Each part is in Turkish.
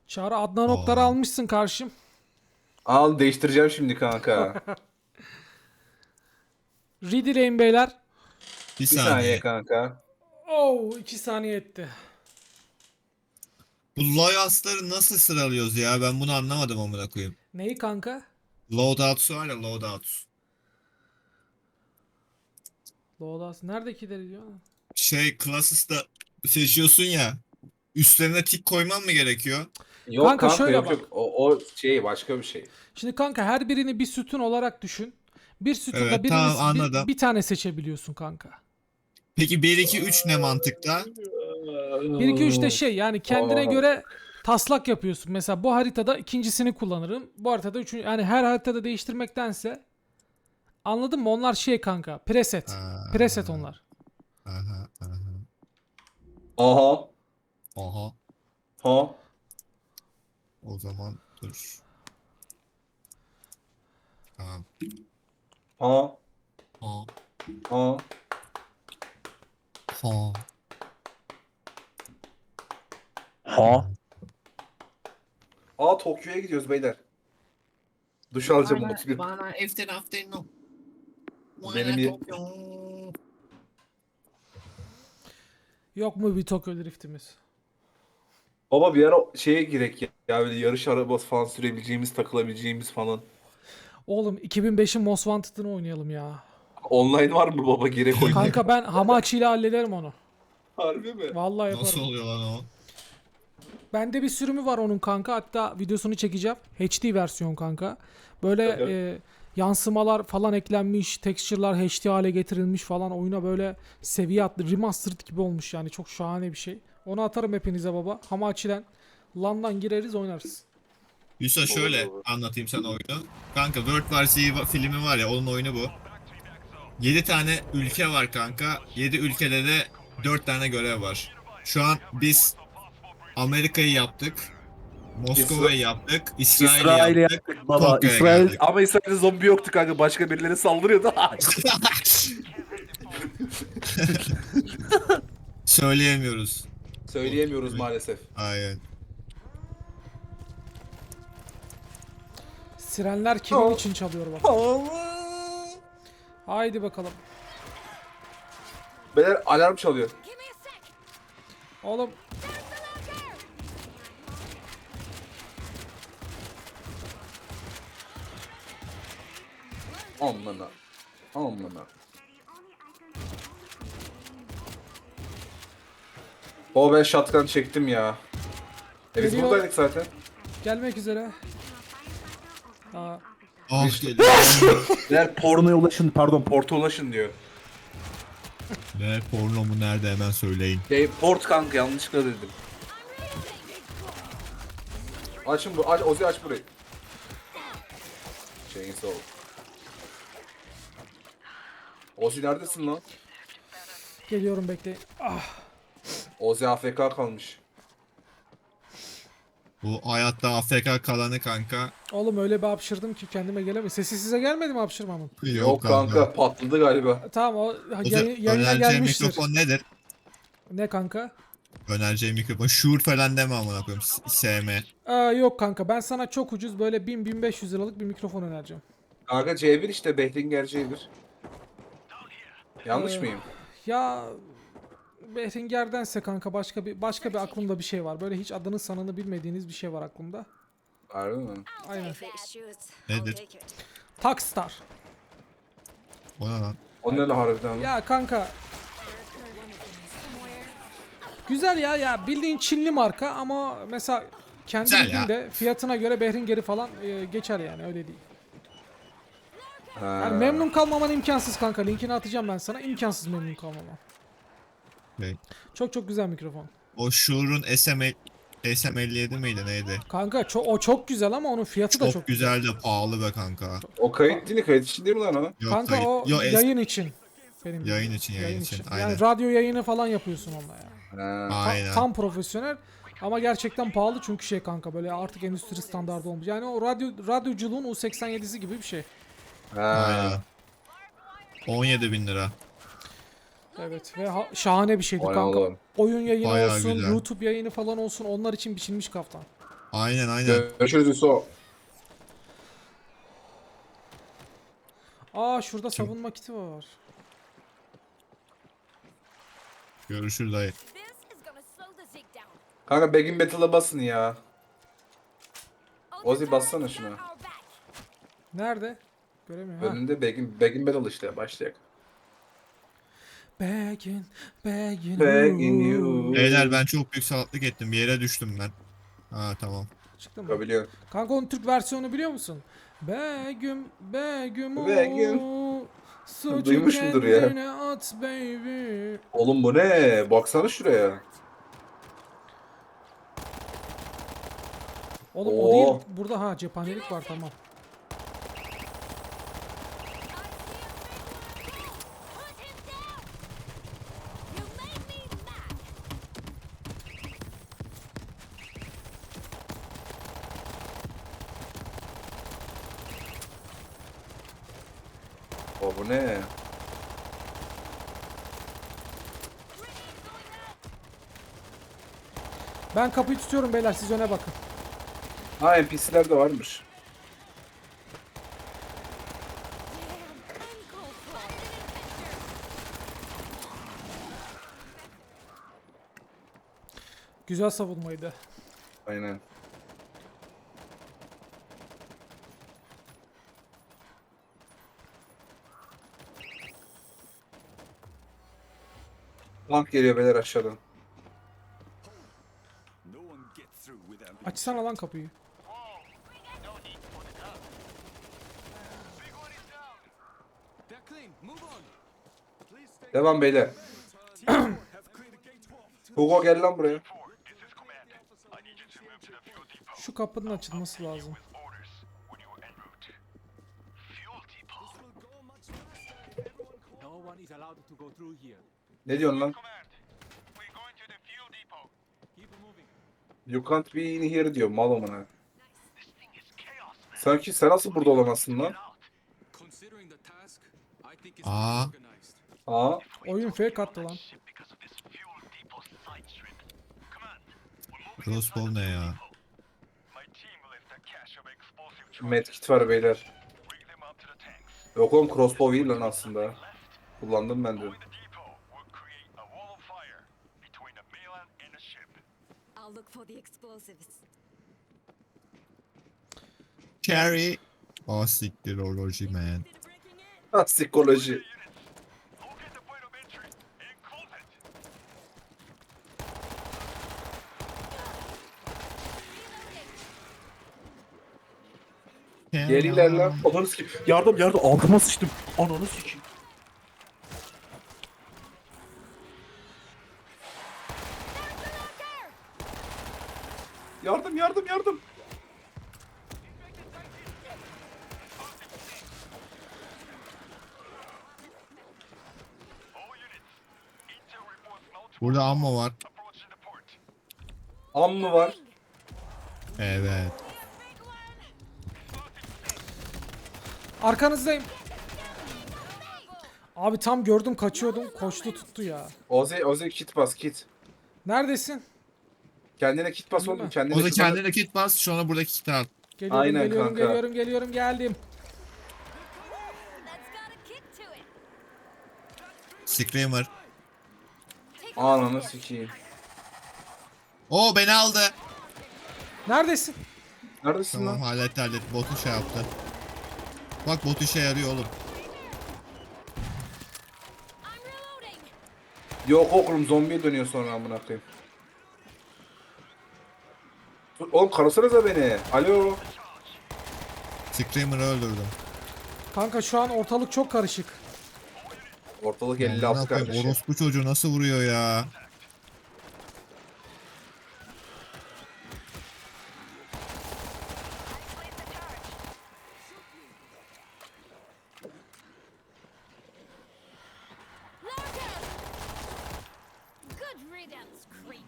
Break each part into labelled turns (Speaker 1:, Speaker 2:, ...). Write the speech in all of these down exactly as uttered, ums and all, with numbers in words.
Speaker 1: Çağrı Adnan Oktar'ı
Speaker 2: Aa.
Speaker 1: almışsın karşım.
Speaker 3: Al değiştireceğim şimdi kanka.
Speaker 1: Ready lane beyler.
Speaker 2: Bir
Speaker 3: Bir saniye
Speaker 2: saniye.
Speaker 3: kanka.
Speaker 1: Oo iki saniye etti.
Speaker 2: Bu loyals'ları nasıl sıralıyoruz ya? Ben bunu anlamadım amına koyayım.
Speaker 1: Neyi kanka?
Speaker 2: Loadouts var ya, loadouts.
Speaker 1: Loadas. Neredekileri diyor?
Speaker 2: Şey, Classes'da seçiyorsun ya. Üstlerine tik koyman mı gerekiyor?
Speaker 3: Yok
Speaker 1: Kanka
Speaker 3: kanka,
Speaker 1: şöyle
Speaker 3: yok
Speaker 1: bak.
Speaker 3: yok. O, o şey başka bir şey.
Speaker 1: Şimdi kanka her birini bir sütun olarak düşün. Bir sütunda
Speaker 2: Evet,
Speaker 1: birini
Speaker 2: tamam, anladım.
Speaker 1: bir, bir tane seçebiliyorsun kanka.
Speaker 2: Peki bir iki üç ne mantıkta?
Speaker 1: bir iki üç de şey yani kendine
Speaker 3: Aa.
Speaker 1: göre taslak yapıyorsun. Mesela bu haritada ikincisini kullanırım. Bu haritada üçüncü. Yani her haritada değiştirmektense anladın mı? Onlar şey kanka. Preset.
Speaker 2: Aa.
Speaker 1: Preset onlar.
Speaker 2: Aha, aha.
Speaker 3: Aha.
Speaker 2: Aha.
Speaker 3: Ha.
Speaker 2: O zaman dur. Tamam.
Speaker 3: Ha.
Speaker 2: Ha.
Speaker 3: Ha.
Speaker 2: Ha.
Speaker 3: Ha. Aa, Tokyo'ya gidiyoruz beyler. Duş alacağım
Speaker 2: Bana,
Speaker 3: otuz bir.
Speaker 2: bana after afternoon.
Speaker 3: Benim ye-
Speaker 1: Yok mu bir Tokyo driftimiz?
Speaker 3: Baba bir ara şeye girek ya. Ya böyle yarış arabası falan sürebileceğimiz, takılabileceğimiz falan.
Speaker 1: Oğlum iki bin beşin Most Wanted'ını oynayalım ya.
Speaker 3: Online var mı baba, girek oynayalım.
Speaker 1: Kanka ben Hamachi ile hallederim onu.
Speaker 3: Harbi mi?
Speaker 1: Vallahi yaparım.
Speaker 2: Nasıl oluyor lan o?
Speaker 1: Bende bir sürümü var onun kanka. Hatta videosunu çekeceğim. H D versiyon kanka. Böyle
Speaker 3: Evet.
Speaker 1: e, yansımalar falan eklenmiş. Texture'lar H D hale getirilmiş falan. Oyuna böyle seviye atlı. Remastered gibi olmuş yani. Çok şahane bir şey. Onu atarım hepinize baba. Hamachi'den LAN'dan gireriz oynarız.
Speaker 2: Yusuf şöyle
Speaker 3: Olur, olur.
Speaker 2: anlatayım sana oyunu. Kanka World War Z va- filmi var ya, onun oyunu bu. yedi tane ülke var kanka. yedi ülkede de dört tane görev var. Şu an biz Amerika'yı yaptık. Moskova'yı yaptık. İsrail'i
Speaker 3: İsrail'i
Speaker 2: yaptık.
Speaker 3: yaptık baba.
Speaker 2: Tokyo'ya
Speaker 3: İsrail,
Speaker 2: geldik.
Speaker 3: ama İsrail'de zombi yoktu kanka. Başka birileri saldırıyordu.
Speaker 2: Söyleyemiyoruz.
Speaker 3: Söyleyemiyoruz maalesef.
Speaker 2: Aynen.
Speaker 1: Sirenler kimin için çalıyor bak. Haydi bakalım.
Speaker 3: Beyler alarm çalıyor.
Speaker 1: Oğlum
Speaker 3: Amına. Amına. O ben shotgun çektim ya. E biz
Speaker 1: Geliyor.
Speaker 3: buradaydık zaten.
Speaker 1: gelmek üzere. Aa,
Speaker 2: Ah geliyor.
Speaker 3: Beyler pornoya ulaşın, pardon porta ulaşın diyor.
Speaker 2: Ne porno mu, nerede, hemen söyleyin.
Speaker 3: Şey, port kanka, yanlışlıkla dedim. Açın bu, aç, Ozi aç burayı. Chainsaw. Ozi neredesin lan?
Speaker 1: geliyorum bekleyin. Ah,
Speaker 3: Ozi A F K kalmış.
Speaker 2: Bu hayatta A F K kalanı kanka.
Speaker 1: oğlum öyle bir hapşırdım ki kendime gelemiyorum. Sesi size gelmedi mi hapşırmamın?
Speaker 3: Yok kanka, patladı galiba.
Speaker 1: Tamam o
Speaker 2: O
Speaker 1: yayı-
Speaker 2: zaman
Speaker 1: yayına
Speaker 2: önereceğim
Speaker 1: gelmiştir.
Speaker 2: mikrofon nedir?
Speaker 1: Ne kanka?
Speaker 2: Önereceğim mikrofon. Shure falan deme amına koyayım. S- S M.
Speaker 1: Aa, yok kanka ben sana çok ucuz böyle bin bin beş yüz liralık bir mikrofon önereceğim.
Speaker 3: Kanka C bir işte, Behringer C bir. Yanlış
Speaker 1: Ee,
Speaker 3: mıyım?
Speaker 1: Ya Behringer'dense kanka başka bir başka bir aklımda bir şey var. Böyle hiç adını sanını bilmediğiniz bir şey var aklımda.
Speaker 3: Harbi mi?
Speaker 1: Aynen.
Speaker 2: Nedir?
Speaker 1: Takstar.
Speaker 2: O ne lan?
Speaker 3: O ne la harbiden lan?
Speaker 1: Ya kanka güzel ya ya bildiğin Çinli marka ama mesela kendi
Speaker 2: Güzel ya.
Speaker 1: bildiğinde fiyatına göre Behringer'i falan e, geçer yani öyle değil.
Speaker 3: Ha.
Speaker 1: Yani memnun kalmaman imkansız kanka. Linkini atacağım ben sana. İmkansız memnun kalmaman.
Speaker 2: Şey,
Speaker 1: Çok çok güzel mikrofon.
Speaker 2: O Shure'un S M S M elli yedi miydi neydi?
Speaker 1: Kanka ço- o çok güzel ama onun fiyatı da
Speaker 2: Çok,
Speaker 1: çok
Speaker 2: güzel de pahalı be kanka.
Speaker 3: O kayıt değil mi? Kayıt için değil mi lan o?
Speaker 2: Yok,
Speaker 1: Kanka
Speaker 2: kayıt-
Speaker 1: o
Speaker 2: Yo, es-
Speaker 1: yayın için. Benim
Speaker 2: Yayın
Speaker 1: bildiğim.
Speaker 2: için, yayın için,
Speaker 1: Yani
Speaker 2: aynen.
Speaker 1: radyo yayını falan yapıyorsun onunla ya.
Speaker 3: Ha.
Speaker 1: Ta-
Speaker 2: Aynen.
Speaker 1: tam profesyonel ama gerçekten pahalı çünkü şey kanka böyle artık endüstri standardı olmuş. Yani o radyo radyoculuğun U seksen yedisi gibi bir şey.
Speaker 2: Aynen.
Speaker 3: Ha.
Speaker 2: on yedi bin lira.
Speaker 1: Evet ve ha- şahane bir şeydi
Speaker 3: Vay
Speaker 1: kanka.
Speaker 3: Allah'ım.
Speaker 1: Oyun yayını
Speaker 2: Bayağı
Speaker 1: olsun,
Speaker 2: güzel.
Speaker 1: YouTube yayını falan olsun onlar için biçilmiş kaftan.
Speaker 2: Aynen aynen.
Speaker 3: Görüşürüz Yusuf.
Speaker 1: Aa şurada
Speaker 2: Kim?
Speaker 1: savunma kiti var.
Speaker 2: Görüşürüz dayı.
Speaker 4: This is gonna slow the Zig down.
Speaker 3: Kanka Begin Battle'a basın ya.
Speaker 4: Oh, the
Speaker 3: Ozi
Speaker 4: turret's
Speaker 3: bassana
Speaker 4: got
Speaker 3: şuna.
Speaker 4: our back.
Speaker 1: Nerede? Göremiyorum. Ha.
Speaker 3: Önünde Begin, Begin Battle işte başlayacak.
Speaker 1: Begging, begging,
Speaker 3: Begging
Speaker 1: you.
Speaker 3: you.
Speaker 2: Beyler ben çok büyük salaklık ettim. Bir yere düştüm ben. Ha tamam.
Speaker 1: Çıktı mı?
Speaker 3: Ya biliyorum.
Speaker 1: Kanka onun Türk versiyonu biliyor musun? Begüm, begüm,
Speaker 3: Begüm.
Speaker 1: o, suçu
Speaker 3: Duymuşumdur ya.
Speaker 1: kendine at baby.
Speaker 3: Oğlum bu ne? Baksana şuraya.
Speaker 1: Oğlum o
Speaker 3: Oo.
Speaker 1: değil. Burada ha cephanelik var tamam.
Speaker 4: Put him down. You made me mad.
Speaker 3: O bu ne?
Speaker 1: Ben kapıyı tutuyorum beyler siz öne bakın.
Speaker 3: Ha N P C'ler de varmış.
Speaker 4: Damn, uncalled for.
Speaker 1: Güzel savunmaydı.
Speaker 3: Aynen. Tank geliyor beyler aşağıdan.
Speaker 5: No one gets through without being
Speaker 1: Açsana lan kapıyı.
Speaker 5: They're clean. Move on. Please stay.
Speaker 3: Devam beyler.
Speaker 5: Have cleared the gate twelve.
Speaker 3: Hugo gel lan buraya.
Speaker 1: Şu kapının açılması lazım.
Speaker 5: No one is allowed to go through here.
Speaker 3: Ne diyorsun lan?
Speaker 5: Keep moving.
Speaker 3: You can't be in here diyor mal amına. Sanki sen nasıl burada olamazsın lan?
Speaker 5: Considering the task, I think it's
Speaker 2: Aa.
Speaker 5: organized.
Speaker 3: Aa,
Speaker 1: Oyun fake attı lan.
Speaker 2: Crossbow ne ya?
Speaker 3: medkit var beyler. Yok oğlum crossbow değil lan aslında. Kullandım ben de.
Speaker 4: I'll look for the explosives.
Speaker 2: Carry. Oh siktir oloji man.
Speaker 3: Ha psikoloji. Geriler lan. Ananı sikeyim. Yardım yardım. Altıma sıçtım. Ananı sikeyim. Yardım yardım yardım.
Speaker 2: Burada ammo var.
Speaker 3: Am mı var?
Speaker 2: Evet.
Speaker 1: Arkanızdayım. Abi tam gördüm kaçıyordum koştu tuttu ya.
Speaker 3: Ozi Ozi kit bas kit.
Speaker 1: Neredesin?
Speaker 3: Kendine kit bas oğlum. Kendine
Speaker 2: O da
Speaker 3: kit bas.
Speaker 2: kendine kit bas, sonra buradaki kit al.
Speaker 1: Geliyorum
Speaker 3: Aynen
Speaker 1: geliyorum
Speaker 3: kanka.
Speaker 1: geliyorum geliyorum geldim.
Speaker 4: That's got a kick to it.
Speaker 2: Screamer.
Speaker 4: Take a
Speaker 3: Ananı
Speaker 4: look here.
Speaker 3: sikeyim.
Speaker 2: Oo beni aldı.
Speaker 1: Neredesin?
Speaker 3: Neredesin
Speaker 2: Tamam
Speaker 3: lan?
Speaker 2: halletti halletti. Botu şey yaptı. Bak bot işe yarıyor oğlum.
Speaker 4: I'm reloading.
Speaker 3: Yok oğlum zombiye dönüyor sonra amına koyayım. Dur, oğlum karasanıza beni. Alo.
Speaker 2: Screamer'ı öldürdüm.
Speaker 1: Kanka şu an ortalık çok karışık.
Speaker 3: Ortalık
Speaker 2: Amına
Speaker 3: elli altı
Speaker 2: koyayım,
Speaker 3: kardeşim.
Speaker 2: orospu çocuğu nasıl vuruyor ya?
Speaker 4: Look out. Good riddance, creep.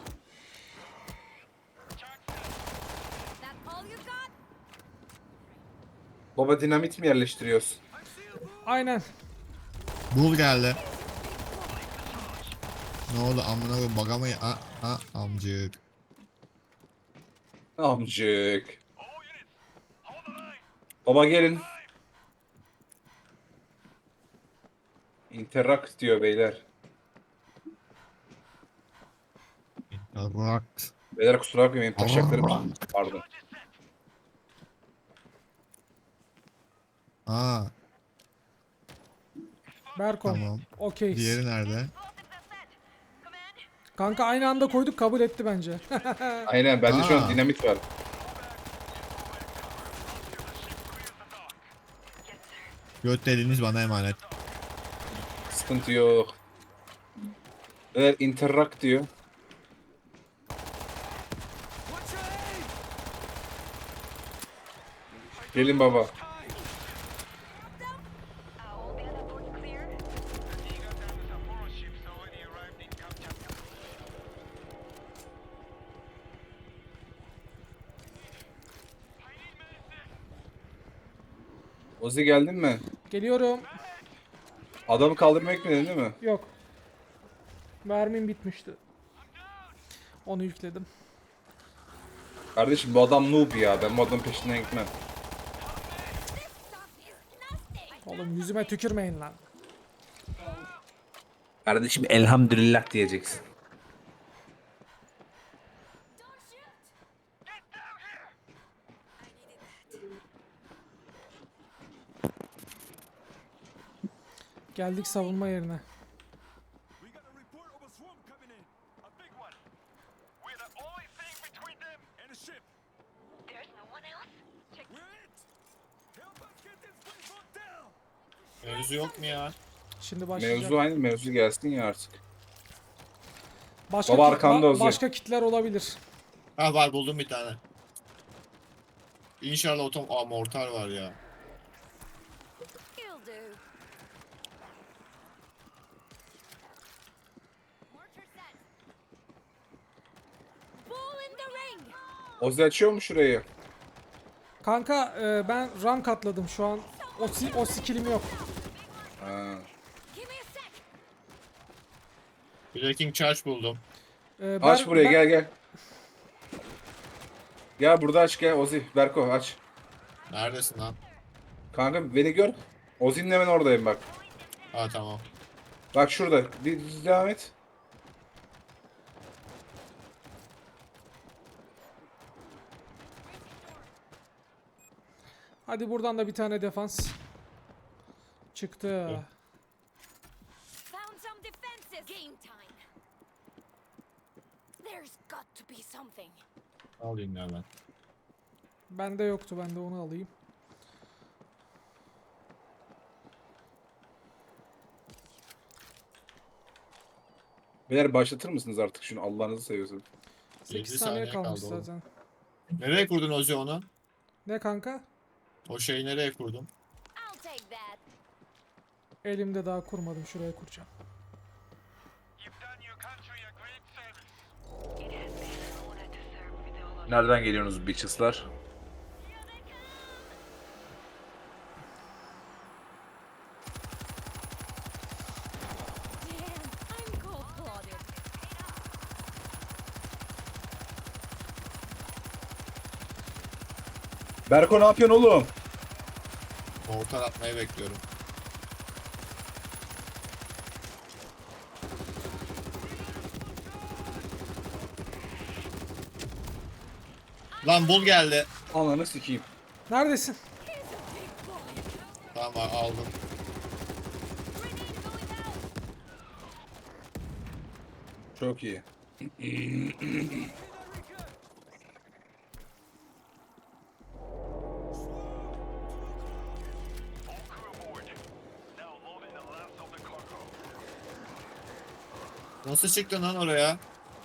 Speaker 4: That all you got?
Speaker 3: Baba dinamit mi yerleştiriyoruz?
Speaker 1: Aynen.
Speaker 2: Bul geldi. Ne oldu amına koyayım baga mı? Ha, ha amcık.
Speaker 3: Amcık. Baba gelin. Interact diyor beyler.
Speaker 2: Bak.
Speaker 3: Beyler kusura bakmayın benim taşaklarım. Pardon.
Speaker 2: Aa,
Speaker 1: Berkom.
Speaker 2: tamam.
Speaker 1: Okey.
Speaker 2: Diğeri nerede?
Speaker 1: Kanka aynı anda koyduk, kabul etti bence.
Speaker 3: Aynen bende şu an
Speaker 2: Aa.
Speaker 3: dinamit var.
Speaker 2: Göt deliğiniz bana emanet.
Speaker 3: Sıkıntı yok. Beyler interact diyor.
Speaker 5: What's your aim?
Speaker 3: Gelin baba. Ozi geldin mi?
Speaker 1: Geliyorum.
Speaker 3: Adamı kaldırmaya gitmedin değil mi?
Speaker 1: Yok. Mermim bitmişti. Onu yükledim.
Speaker 3: Kardeşim bu adam noob ya. Ben bu adamın peşinden gitmem.
Speaker 1: Oğlum yüzüme tükürmeyin lan.
Speaker 3: Kardeşim elhamdülillah diyeceksin.
Speaker 1: Geldik savunma yerine.
Speaker 5: We got a report of a swarm coming in. A big one. We're the only thing between them and a ship.
Speaker 4: There's no one else? Check.
Speaker 5: We're it. Help us get this place locked down.
Speaker 2: Mevzu yok mu ya?
Speaker 1: Şimdi başlayacak.
Speaker 3: Mevzu aynı mevzu gelsin ya artık.
Speaker 1: Başka
Speaker 3: Baba
Speaker 1: kit-
Speaker 3: arkanda
Speaker 1: ba-
Speaker 3: Ozi.
Speaker 1: başka kitler olabilir.
Speaker 2: Ha var, buldum bir tane. İnşallah otom... Aa, mortar var ya.
Speaker 4: You'll do. Mortar set. Ball in the ring.
Speaker 3: Ozi açıyor mu şurayı?
Speaker 1: Kanka e, ben rank atladım şu an. O, si- o skillim yok.
Speaker 3: Ha.
Speaker 4: Give me a sec.
Speaker 2: Breaking charge buldum.
Speaker 1: E,
Speaker 3: Aç
Speaker 1: ben-
Speaker 3: burayı
Speaker 1: ben-
Speaker 3: gel gel. Gel burada aç gel Ozi. Berko aç.
Speaker 2: Neredesin lan?
Speaker 3: Kanka beni gör. Ozi'nin hemen oradayım bak.
Speaker 2: Ha tamam.
Speaker 3: Bak şurada. Bir bir devam et.
Speaker 1: Hadi buradan da bir tane defans. Çıktı.
Speaker 4: Found some defenses. Game time. There's got to be something.
Speaker 2: Alayım ya ben.
Speaker 1: Bende yoktu, ben de onu alayım.
Speaker 3: Beyler başlatır mısınız artık şunu Allah'ınızı seviyorsun.
Speaker 1: sekiz
Speaker 2: Yedi
Speaker 1: saniye
Speaker 2: saniye
Speaker 1: kalmış
Speaker 2: kaldı oğlum.
Speaker 1: zaten.
Speaker 2: Nereye kurdun Ozi onu?
Speaker 1: Ne kanka?
Speaker 2: O şeyi nereye kurdun?
Speaker 4: I'll take that.
Speaker 1: Elimde daha kurmadım, şuraya kuracağım.
Speaker 5: You've done your country a great service.
Speaker 3: Nereden geliyorsunuz bitches'lar?
Speaker 4: Damn, I'm cold-blooded.
Speaker 3: Berko ne yapıyorsun oğlum?
Speaker 2: Mortar atmayı bekliyorum. Lan bul geldi.
Speaker 3: Ananı sikeyim.
Speaker 1: Neredesin?
Speaker 2: Tamam aldım.
Speaker 3: Çok iyi.
Speaker 2: Nasıl çıktın lan oraya?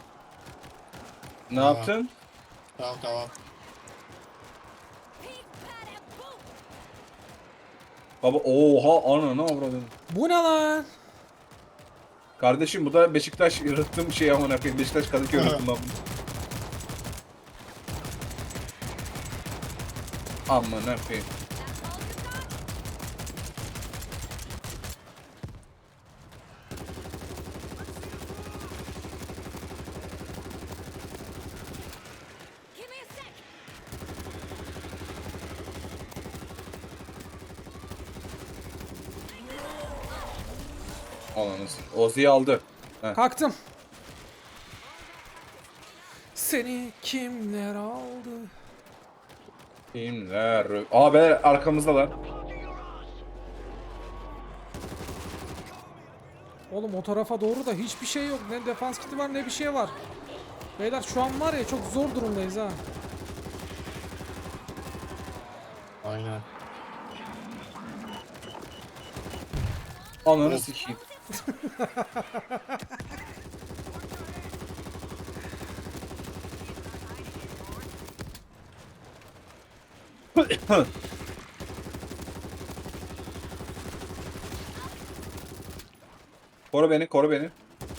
Speaker 3: Ne
Speaker 2: Aa.
Speaker 3: yaptın?
Speaker 2: Tamam tamam.
Speaker 4: Peek, pat, and boom.
Speaker 3: Baba oha ana ne avradın?
Speaker 1: Bu ne lan?
Speaker 3: Kardeşim bu da Beşiktaş yırttığım şey amına koyayım. Beşiktaş Kadıköy yırttım ben bunu. Amına koyayım.
Speaker 4: That's all you got? Give me a sec.
Speaker 3: Ananız. Ozi'yi aldı.
Speaker 1: Kalktım. Seni kimler aldı?
Speaker 3: Kimler? Aa be arkamızdalar.
Speaker 1: Oğlum o tarafa doğru da hiçbir şey yok. Ne defans kiti var ne bir şey var. Beyler şu an var ya çok zor durumdayız ha.
Speaker 6: Aynen.
Speaker 3: Ananı sikeyim. Koru beni, koru beni.
Speaker 4: I'm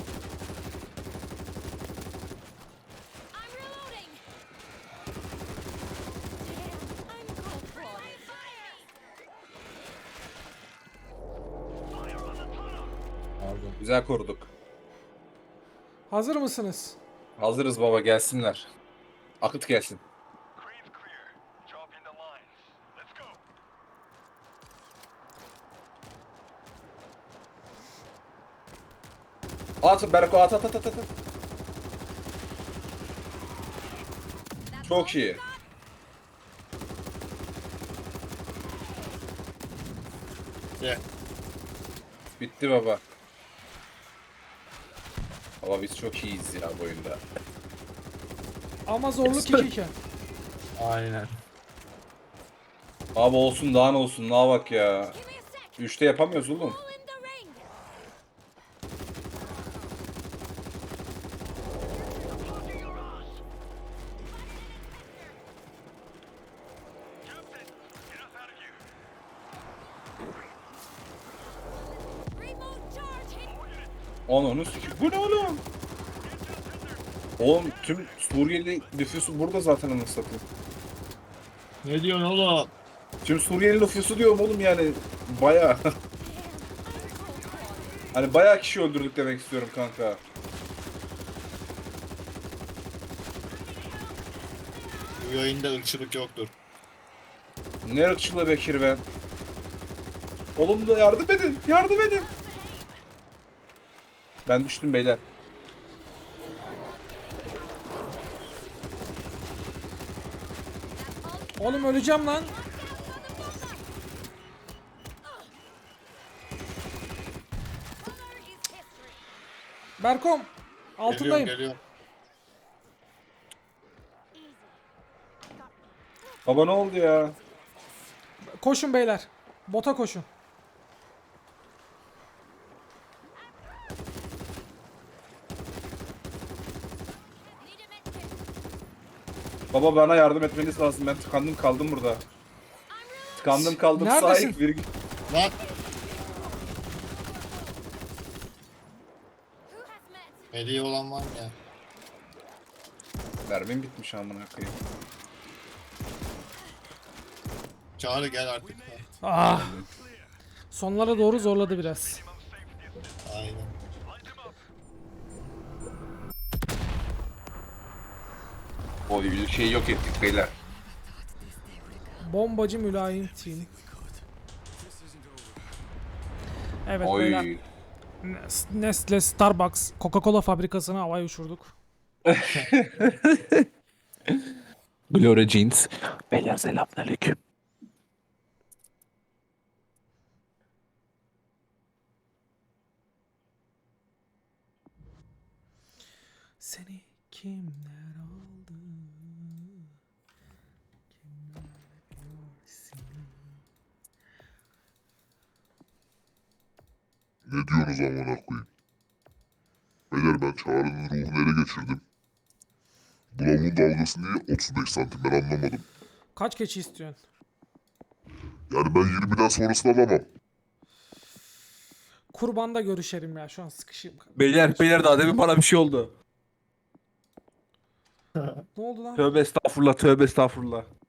Speaker 4: reloading. Damn, I'm cold-blooded.
Speaker 6: Pardon.
Speaker 3: Güzel koruduk.
Speaker 1: Hazır mısınız?
Speaker 3: Hazırız baba, gelsinler. Akıt gelsin.
Speaker 5: Green's clear. Drop in the lines. Let's go.
Speaker 3: At Berko, at at at at at. Çok iyi.
Speaker 6: Ye.
Speaker 3: Bitti baba. Baba biz çok iyiyiz ya bu oyunda.
Speaker 1: Ama zorluk iki iken.
Speaker 6: Aynen.
Speaker 3: Abi olsun daha ne olsun, ne bak ya.
Speaker 4: Give me a sec.
Speaker 3: Üçte yapamıyoruz oğlum.
Speaker 4: All in the ring.
Speaker 5: Captain, get us out of here.
Speaker 4: Remote charge hit.
Speaker 3: Ananı sikeyim. Bu ne oğlum? Oğlum tüm Suriyeli nüfusu burada zaten, anasını satayım.
Speaker 6: Ne diyorsun oğlum?
Speaker 3: Tüm Suriyeli nüfusu diyorum oğlum yani. Baya.
Speaker 4: Damn, I'm cold-blooded.
Speaker 3: Hani bayağı kişi öldürdük demek istiyorum kanka.
Speaker 6: Bu yayında ırkçılık yoktur.
Speaker 3: Ne ırkçılığı Bekir be. Oğlum da yardım edin. Yardım edin. Ben düştüm beyler.
Speaker 1: Oğlum öleceğim lan.
Speaker 4: Honor is history.
Speaker 1: Berkom. Altındayım.
Speaker 6: Geliyorum, geliyorum.
Speaker 3: Baba ne oldu ya?
Speaker 1: Koşun beyler. Bota koşun.
Speaker 4: Need a medkit.
Speaker 3: Baba bana yardım etmeniz lazım. Ben tıkandım kaldım burada. Tıkandım kaldım.
Speaker 1: Neredesin?
Speaker 3: Sahip virgül.
Speaker 6: Lan!
Speaker 4: Who has meds?
Speaker 6: Hediye olan var mı ya?
Speaker 3: Mermim bitmiş amına koyayım.
Speaker 6: Çağrı gel artık.
Speaker 1: Ah. Sonlara doğru zorladı biraz.
Speaker 6: Aynen.
Speaker 3: O şeyi yok ettik beyler.
Speaker 1: Bombacı mülayim team. Evet beyler.
Speaker 3: Oy.
Speaker 1: Nestle, Starbucks, Coca-Cola fabrikasını havaya uçurduk.
Speaker 3: Gloria Jeans. Beyler selamünaleyküm.
Speaker 1: Seni kimler aldı? Kimler görsün?
Speaker 7: Ne diyorsunuz amına koyayım? Beyler ben Çağrı'nın ruhunu ele geçirdim. Bu lavuğun dalgası niye otuz beş santim ben anlamadım.
Speaker 1: Kaç keçi istiyorsun?
Speaker 7: Yani ben yirmiden sonrasını alamam.
Speaker 1: Kurbanda görüşelim ya, şu an sıkışayım.
Speaker 3: Beyler beyler daha demin bana bir şey oldu.
Speaker 1: Ne oldu lan?
Speaker 3: Tövbe estağfurullah, tövbe estağfurullah.